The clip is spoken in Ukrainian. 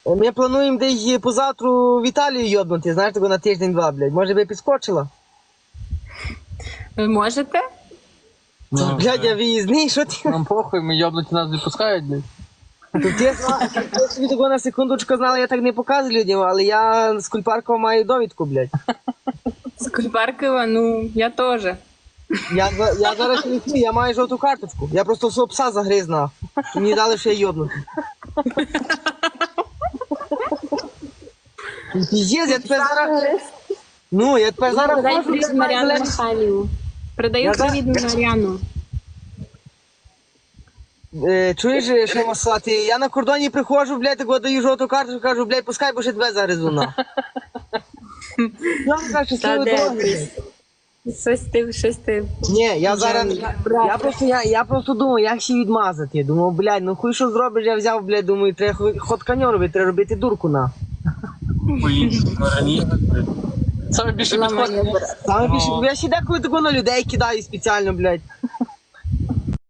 Ми плануємо десь позавтру в Італію йобнути, знаєш, тако на тиждень-два, блядь. Може би підскочила? Ви можете? Ну, Блядь, я виїзний, що ти? нам похуй, ми йобнуті нас не пускають, блядь. Тут я собі такого на секундочку знала, я так не показую людям, але я з Кульпаркова маю довідку, блядь. З Кульпаркова, ну, я теж. Я зараз не йду, я маю жовту карточку. Я просто свого пса загриз нахуй. І мені дали ще йобнути. Піздець, я тепер зараз... Ну, я тепер зараз Передай можу... привіт Мар'яну Михайліву. Передаю Я привіт Мар'яну. Чуєш, що масати? Я на кордоні приходжу, блядь, так от даю жовту карточку, кажу, блядь, пускай, бо ще тебе загризу нахуй. Я вам кажу, Та щасливої де дороги. ти? Щось ти. Ні, я зараз, я просто думав, як ще відмазати. Думав, блядь, ну хуй що зробиш, я взяв, блядь, думаю, треба ход коню робити, треба робити дурку на. Саме більше підходить. Саме більше, я ще деколи тако на людей кидаю спеціально, блядь.